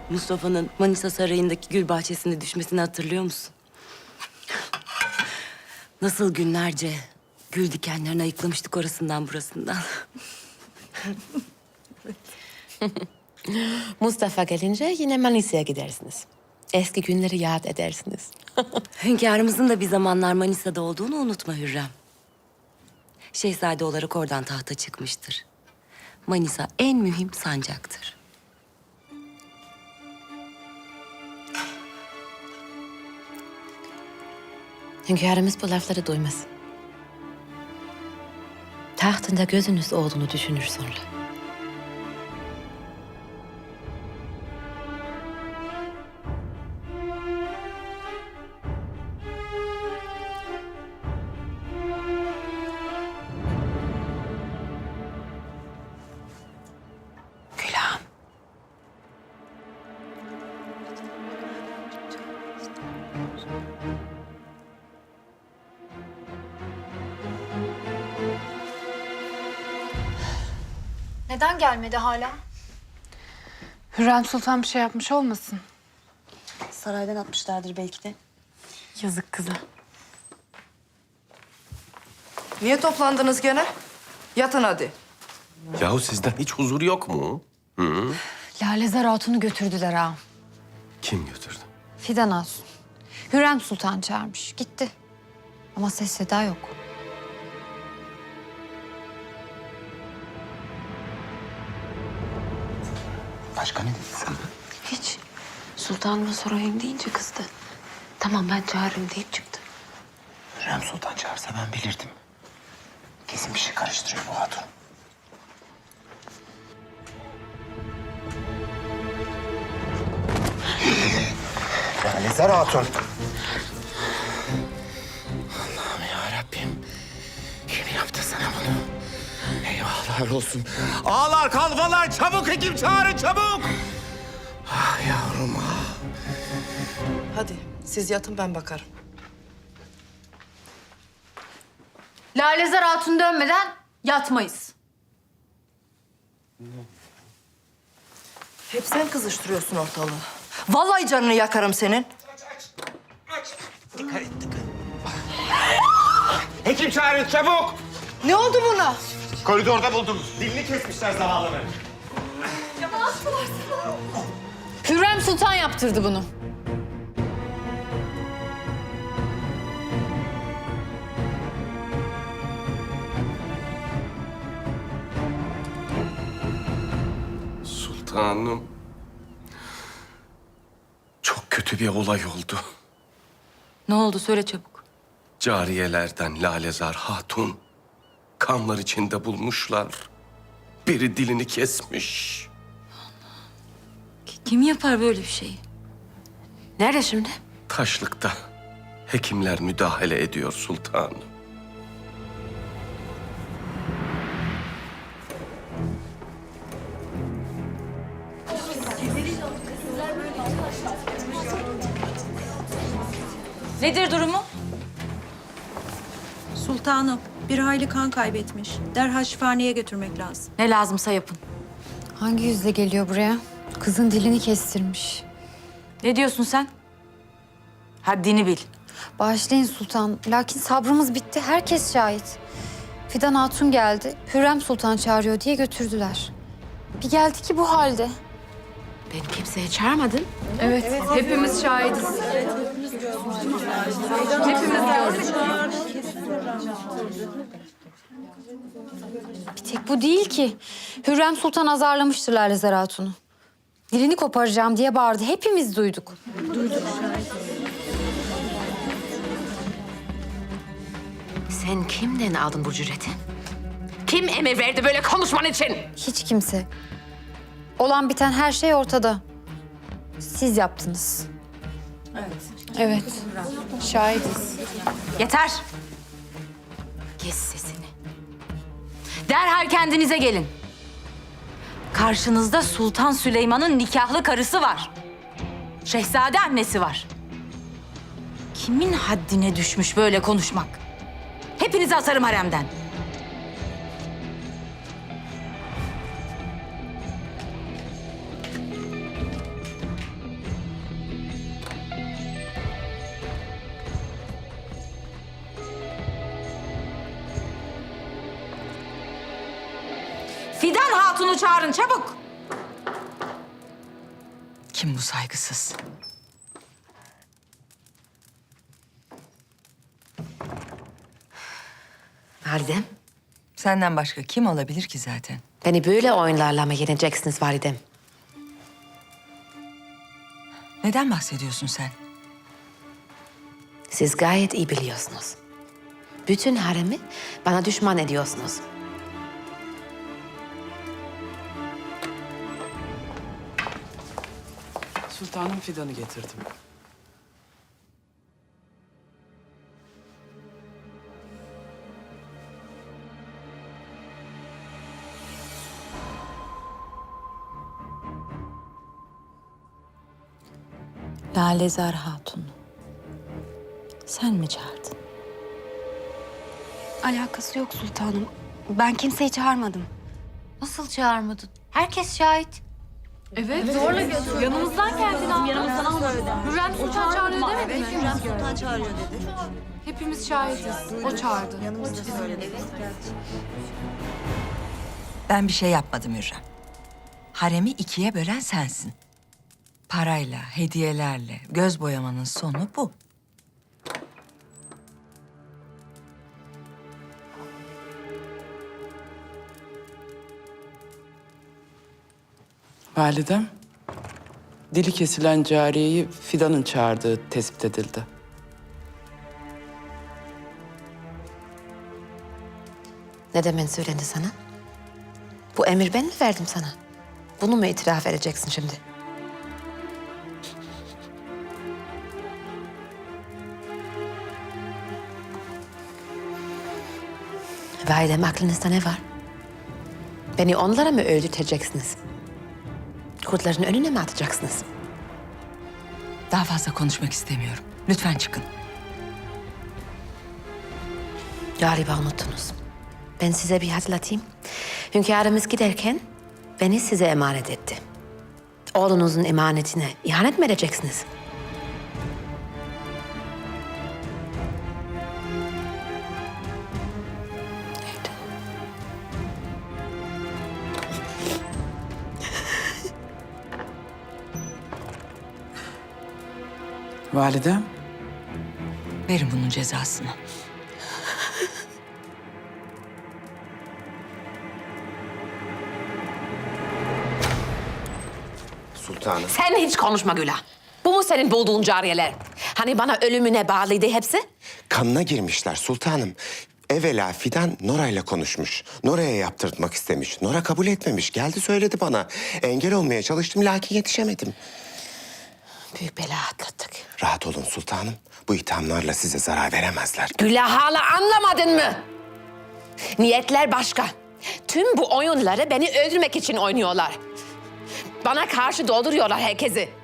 Mustafa'nın Manisa Sarayı'ndaki gül bahçesinde düşmesini hatırlıyor musun? Nasıl günlerce gül dikenlerini ayıklamıştık orasından burasından. Mustafa gelince yine Manisa'ya gidersiniz. Eski günleri yad edersiniz. Hünkârımızın da bir zamanlar Manisa'da olduğunu unutma Hürrem. Şehzade olarak oradan tahta çıkmıştır. Manisa en mühim sancaktır. Hünkârımız bu lafları duymaz. Tahtında gözünüz olduğunu düşünür sonra. Külahım. Neden gelmedi hala? Hürrem Sultan bir şey yapmış olmasın? Saraydan atmışlardır belki de. Yazık kıza. Niye toplandınız gene? Yatın hadi. Yahu sizden hiç huzur yok mu? Lalezar Hatun'u götürdüler ağam. Kim götürdü? Fidan Hatun. Hürrem Sultan çağırmış. Gitti. Ama ses seda yok. Başka ne dedi sana? Hiç. Sultanıma sorayım deyince kızdı. Tamam ben çağırırım deyip çıktı. Hürrem Sultan çağırsa ben bilirdim. Kesin bir şey karıştırıyor bu hatun. Lalezar Hatun. Allah'ım yarabbim. Kim yaptı sana bunu? Eyvahlar olsun. Ağlar, kalfalar, çabuk hekim çağırın, çabuk! Ah yavrum ah. Hadi siz yatın ben bakarım. Lalezar Hatun dönmeden yatmayız. Hep sen kızıştırıyorsun ortalığı. Vallahi canını yakarım senin. Hekim çağırın, çabuk! Ne oldu buna? Koridorda buldum. Dilini kesmişler zavallının. Hürrem Sultan yaptırdı bunu. Sultanım. Çok kötü bir olay oldu. Ne oldu söyle çabuk. Cariyelerden Lalezar Hatun kanlar içinde bulmuşlar. Biri dilini kesmiş. Kim yapar böyle bir şeyi? Nerede şimdi? Taşlıkta hekimler müdahale ediyor sultanım. Nedir durumu? Sultanım, bir hayli kan kaybetmiş. Derhal şifaneye götürmek lazım. Ne lazımsa yapın. Hangi yüzle geliyor buraya? Kızın dilini kestirmiş. Ne diyorsun sen? Haddini bil. Bağışlayın sultan. Lakin sabrımız bitti. Herkes şahit. Fidan Hatun geldi. Hürrem Sultan çağırıyor diye götürdüler. Bir geldi ki bu halde. Beni kimseye çağırmadın. Evet, hepimiz şahidiz. Bir tek bu değil ki. Hürrem Sultan azarlamıştır Lalezar Hatun'u. Dilini koparacağım diye bağırdı. Hepimiz duyduk. Sen kimden aldın bu cüreti? Kim emir verdi böyle konuşman için? Hiç kimse. Olan biten her şey ortada. Siz yaptınız. Evet. Şahidiz. Yeter. Kes sesini. Derhal kendinize gelin. Karşınızda Sultan Süleyman'ın nikahlı karısı var. Şehzade annesi var. Kimin haddine düşmüş böyle konuşmak? Hepinizi asarım haremden. Hatun'u çağırın çabuk. Kim bu saygısız? Validem, Senden başka kim olabilir ki zaten? beni böyle oyunlarla mı yeneceksiniz validem? Neden bahsediyorsun sen? Siz gayet iyi biliyorsunuz. Bütün haremi bana düşman ediyorsunuz. Sultanım Fidan'ı getirdim. Lalezar Hatun. Sen mi çağırdın? Alakası yok sultanım. Ben kimseyi çağırmadım. Nasıl çağırmadın? Herkes şahit. Evet. Zorla götürdü. Yanımızdan geldi. Yanımızdan almadı. Hürrem Sultan çağırıyor demedi mi? Hürrem Sultan çağırıyor dedi. Hepimiz şahitiz. O çağırdı. Ben bir şey yapmadım Hürrem. Haremi ikiye bölen sensin. Parayla, hediyelerle göz boyamanın sonu bu. Validem, dili kesilen cariyeyi Fidan'ın çağırdığı tespit edildi. Ne demen söylendi sana? Bu emir ben mi verdim sana? Bunu mu itiraf edeceksin şimdi? Validem, aklınızda ne var? Beni onlara mı öldürteceksiniz? Kurtların önüne mi atacaksınız? Daha fazla konuşmak istemiyorum. Lütfen çıkın. Galiba unuttunuz. Ben size bir hatırlatayım. Hünkârımız giderken beni size emanet etti. Oğlunuzun emanetine ihanet mi edeceksiniz? Evet. Validem, Verin bunun cezasını. Sultanım. Sen hiç konuşma Gülah. Bu mu senin bulduğun cariyeler? Hani bana ölümüne bağlıydı hepsi? Kanına girmişler sultanım. Evvela Fidan Nora'yla konuşmuş. Nora'ya yaptırtmak istemiş. Nora kabul etmemiş. Geldi söyledi bana. Engel olmaya çalıştım lakin yetişemedim. Büyük bela atlattık. Rahat olun sultanım. Bu ithamlarla size zarar veremezler. Gülah, hala anlamadın mı? Niyetler başka. Tüm bu oyunları beni öldürmek için oynuyorlar. Bana karşı dolduruyorlar herkesi.